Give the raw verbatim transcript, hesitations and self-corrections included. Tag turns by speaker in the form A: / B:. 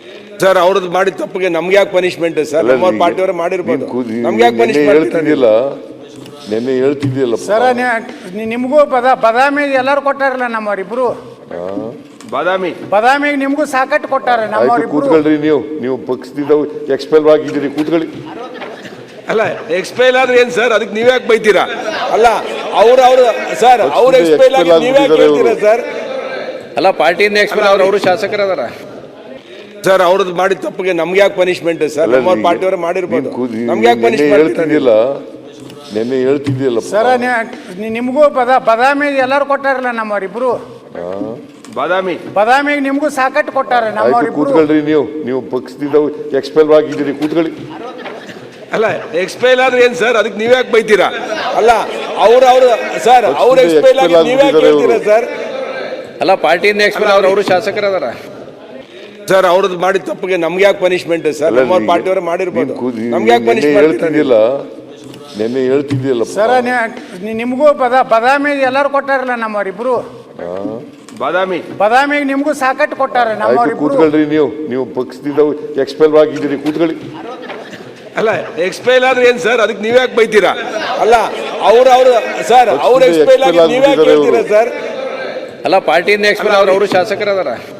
A: Sir ಅವ್ರದ್ದು ಮಾಡಿದ ತಪ್ಪಿಗೆ ನಮ್ಗೆ ಯಾಕೆ ಪನಿಷ್ಮೆಂಟ್ ಸರ್? ನಮ್ಮ ಪಾರ್ಟಿಯವರು ಮಾಡಿರ್ಬೋದು, ನಮ್ಗೆ ಯಾಕೆ ಪನಿಷ್ಮೆಂಟ್
B: ಹೇಳ್ತಿದ್ದಿಲ್ಲ? ನೆನ್ನೆ ಹೇಳ್ತಿದ್ದಿಲ್ಲ
C: ಸರ್ ನಿಮಗೂ ಬದ ಬದಾಮಿ ಎಲ್ಲರೂ ಕೊಟ್ಟಾರಲ್ಲ ನಮ್ಮವರಿಬ್ರು.
A: ಬಾದಾಮಿ
C: ಬದಾಮಿಗೆ ನಿಮಗೂ ಸಾಕಟ್ಟು ಕೊಟ್ಟಾರೆ ನಮ್ಮವರಿಬ್ರು.
B: ಕೂತ್ಕೊಳ್ರಿ, ನೀವು ನೀವು ಪಕ್ಷದಿಂದ ಎಕ್ಸ್ಪೆಲ್ ಆಗಿದ್ದೀರಿ, ಕೂತ್ಕೊಳ್ಳಿ.
A: ಅಲ್ಲ ಎಕ್ಸ್ಪೈಲ್ ಆದ್ರೆ ಏನ್ ಸರ್? ಅದಕ್ಕೆ ನೀವ್ ಯಾಕೆ ಬೈತೀರಾ? ಅಲ್ಲ ಅವ್ರ ಅವ್ರು ಸರ್ ಅವ್ರ ಎಕ್ಸ್ಪೈಲ್ ಆಗಿ ನೀವ್ ಯಾಕೆ ಹೇಳ್ತೀರಾ ಸರ್?
D: ಅಲ್ಲ ಪಾರ್ಟಿಯಿಂದ ಎಕ್ಸ್ಪೈಲ್ ಅವ್ರು ಅವರು ಶಾಸಕರು ಅದಾರ
A: ಸರ್. ಅವ್ರದ್ದು ಮಾಡಿದ ತಪ್ಪಿಗೆ ನಮ್ಗೆ ಯಾಕೆ ಪನಿಷ್ಮೆಂಟ್ ಸರ್? ನಮ್ಮ ಪಾರ್ಟಿಯವರು ಮಾಡಿರ್ಬೋದು, ನಮ್ಗೆ ಯಾಕೆ
B: ನೆನ್ನೆ
A: ಪನಿಷ್ಮೆಂಟ್
B: ಹೇಳ್ತಿದ್ದಿಲ್ಲ? ನೆನ್ನೆ ಹೇಳ್ತಿದ್ದಿಲ್ಲ
C: ಸರ್ ನಿಮಗೂ ಬದ ಬದಾಮಿಗೆ ಎಲ್ಲರೂ ಕೊಟ್ಟಾರಲ್ಲ ನಮ್ಮವರಿಬ್ರು.
A: ಬಾದಾಮಿ
C: ಬದಾಮಿಗೆ ನಿಮಗೂ ಸಾಕಟ್ಟು ಕೊಟ್ಟಾರೆ ನಮ್ಮವರಿಬ್ರು.
B: ಕೂತ್ಕೊಳ್ರಿ, ನೀವು ನೀವು ಪಕ್ಷದಿಂದ ಎಕ್ಸ್ಪೆಲ್ ಆಗಿದ್ದೀರಿ, ಕೂತ್ಕೊಳ್ಳಿ.
A: ಅಲ್ಲ ಎಕ್ಸ್ಪೈಲ್ ಆದ್ರೆ ಏನ್ ಸರ್? ಅದಕ್ಕೆ ನೀವ್ ಯಾಕೆ ಬೈತೀರಾ? ಅಲ್ಲ ಅವ್ರ ಅವ್ರು ಸರ್ ಅವ್ರ ಎಕ್ಸ್ಪೈಲ್ ಆಗಿ ನೀವ್ ಯಾಕೆ ಹೇಳ್ತೀರಾ ಸರ್?
D: ಅಲ್ಲ ಪಾರ್ಟಿಯಿಂದ ಎಕ್ಸ್ಪೈಲ್ ಅವ್ರು ಅವರು ಶಾಸಕರು ಅದಾರ
A: ಸರ್. ಅವ್ರದ್ದು ಮಾಡಿದ ತಪ್ಪಿಗೆ ನಮ್ಗೆ ಯಾಕೆ ಪನಿಷ್ಮೆಂಟ್ ಸರ್? ನಮ್ಮ ಪಾರ್ಟಿಯವರು ಮಾಡಿರ್ಬೋದು, ನಮ್ಗೆ ಯಾಕೆ
B: ನೆನ್ನೆ
A: ಪನಿಷ್ಮೆಂಟ್
B: ಹೇಳ್ತಿದ್ದಿಲ್ಲ? ನೆನ್ನೆ ಹೇಳ್ತಿದ್ದಿಲ್ಲ
C: ಸರ್ ನಿಮಗೂ ಬದ ಬದಾಮಿಗೆ ಎಲ್ಲರೂ ಕೊಟ್ಟಾರಲ್ಲ ನಮ್ಮವರಿಬ್ರು.
A: ಬಾದಾಮಿ
C: ಬದಾಮಿಗೆ ನಿಮಗೂ ಸಾಕಟ್ಟು ಕೊಟ್ಟಾರೆ ನಮ್ಮವರಿಬ್ರು.
B: ಕೂತ್ಕೊಳ್ರಿ, ನೀವು ನೀವು ಪಕ್ಷದಿಂದ ಎಕ್ಸ್ಪೆಲ್ ಆಗಿದ್ದೀರಿ, ಕೂತ್ಕೊಳ್ಳಿ.
A: ಅಲ್ಲ ಎಕ್ಸ್ಪೈಲ್ ಆದ್ರೆ ಏನ್ ಸರ್? ಅದಕ್ಕೆ ನೀವ್ ಯಾಕೆ ಬೈತೀರಾ? ಅಲ್ಲ ಅವ್ರ ಅವ್ರು ಸರ್ ಅವ್ರ ಎಕ್ಸ್ಪೈಲ್ ಆಗಿ ನೀವ್ ಯಾಕೆ ಹೇಳ್ತೀರಾ ಸರ್?
D: ಅಲ್ಲ ಪಾರ್ಟಿಯಿಂದ ಎಕ್ಸ್ಪೈಲ್ ಅವ್ರು ಅವರು ಶಾಸಕರು ಅದಾರ